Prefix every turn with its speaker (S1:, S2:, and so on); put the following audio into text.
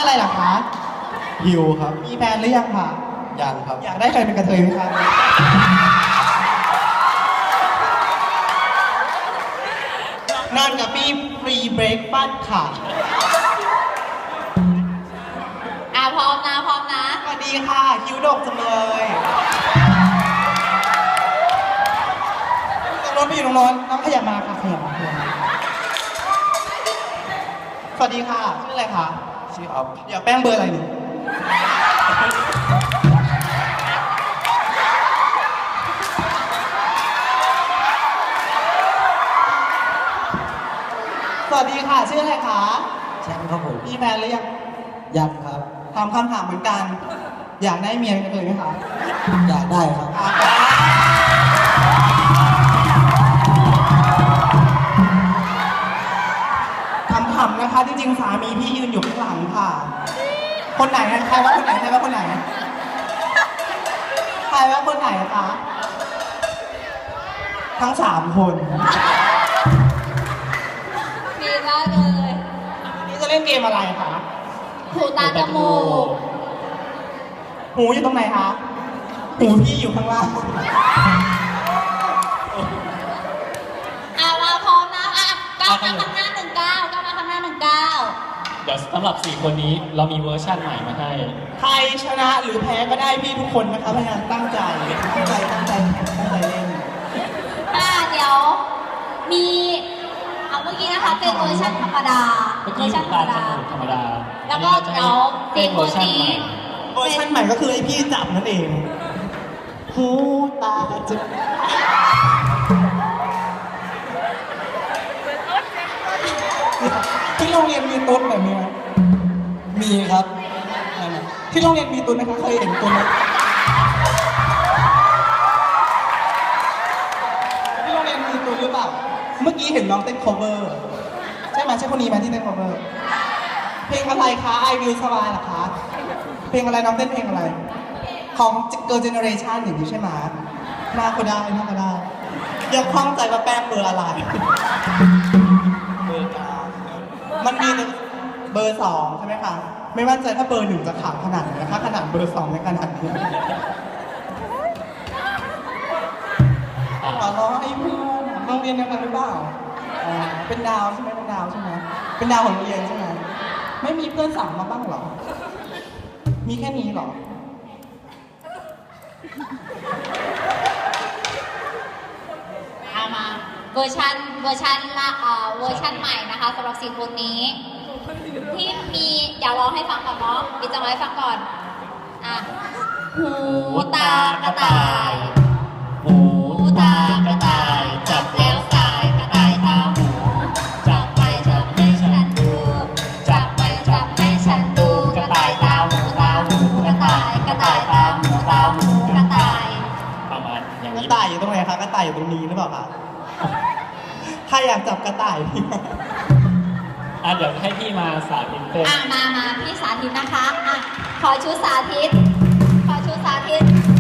S1: อะไรล่ะคะ
S2: ฮิวครับ
S1: มีแฟนหรือยังค่ะ
S2: ยังครับ
S1: อยากได้ใครเป็นกระเทยไหมคะนอนกับพี่ฟรีเบรกฟาสต์ค่ะ
S3: พร้อมนะพร้อมนะ
S1: สวัสดีค่ะ คิ้วดกจังเลยรถไปอยู่ตรงโน้นน้องขยับมาค่ะขยับมาสวัสดีค่ะชื่ออะไรคะ
S2: ชื่อออฟ
S1: อยากแป้งเบอร์อะไรหนูสวัสดีค่ะชื่ออะไรคะ
S2: แชมป์ครับผม
S1: มีแฟนหรือยัง
S2: ยังครับ
S1: ถามคำถามเหมือนกัน อยากได้เมียกันเลยไหมคะ
S2: อยากได้ครับ
S1: คำถามนะคะจริงๆสามีพี่ยืนอยู่ข้างหลังค่ะ คนไหนนะใครว่าคนไหนใครว่าคนไหนใครว่าคนไหนคะทั้ง3 คน
S3: มีได้เลย
S1: นี่จะเล่นเกมอะไรคะ
S3: หูตาจมูก
S1: หูอยู่ตรงไหนคะหูพี่อยู่ข้างล่าง
S3: มาพร้อมนะก้าวมาข้างหน้า19ก้าวมาข้างหน้า19
S4: เดี๋ยวสำหรับ4คนนี้เรามีเวอร์ชั่นใหม่มาให้
S1: ใครชนะหรือแพ้ก็ได้พี่ทุกคนนะคะพยายามตั้งใจตั้งใจเล่น
S3: เดี๋ยวมีเอาเมื่อกี้นะคะเป็นเวอร์ชันธรรมดา
S4: เมื่อ
S3: เวอ
S4: กี้
S3: ร์ชันธรรมดา
S4: ธรรมดา
S3: แล้วก็เดี๋ยว
S4: เป็นเวอร์ชันใหม่
S1: เวอร์ชันใหม่ก็คือไอพี่จับนั่นเองหูตาจะที่โรงเรียนมีตุ๊ดแบบนี้ไหม
S2: มีครับ
S1: ที่โรงเรียนมีตุ๊ดไหมคะเคยเห็นตุ๊ดไหมที่โรงเรียนมีตุ๊ดหรือเปล่าเมื่อกี้เห็นน้องเต้น cover ใช่ไหมใช่คนนี้ไหมที่เต้น cover เพลงอะไรคะ I Will Survive เหรอคะเพลงอะไรน้องเต้นเพลงอะไร ของ Girl Generation อย่างนี้ใช่ไหมหน้าก็ได้ยังคล่องใจว่าแป้งเบอร์อะไร
S2: เบอร์กลาง
S1: มันมีเบอร์ 2 ใช่ไหมคะ ไม่มั่นใจถ้าเบอร์ 1 จะขาวขนาดไหนนะคะขนาดเบอร์ 2 ในขนาดนี้ขอร้องไอ้เพื่อนโรงเรียนเดียวกันหรือเปล่าเป็นดาวใช่ไหมเป็นดาวใช่ไหมเป็นดาวของโรงเรียนใช่ไหมไม่มีเพื่อนสั่งมาบ้างเหรอ มีแค่นี้เหรอ
S3: มาเวอร์ชันเวอร์ชันใหม่นะคะสำหรับ4 คนนี้ ที่มีเดี๋ยวร้องให้ฟังก่อนเนาะมีจะร้องให้ฟังก่อนหูตากระต่ายหูตากระต่ายจับแล้วสายกระต่ายตาหูจับไปจับให้ฉันดูจับไปจับให้ฉันดูกระต่ายตาหูกระต่ายตาหูกระต่าย
S4: ประมาณอย่าง
S1: กระ
S4: นี้
S1: ต่ายอยู่ตรงไหนคะกระต่ายอยู่ตรงนี้หรือเปล่าคะใครอยากจับกระต่ายพี่
S4: เดี๋ยวให้พี่มาสาธิตเต้น
S3: มาพี่สาธิตนะคะขอชุดสาธิต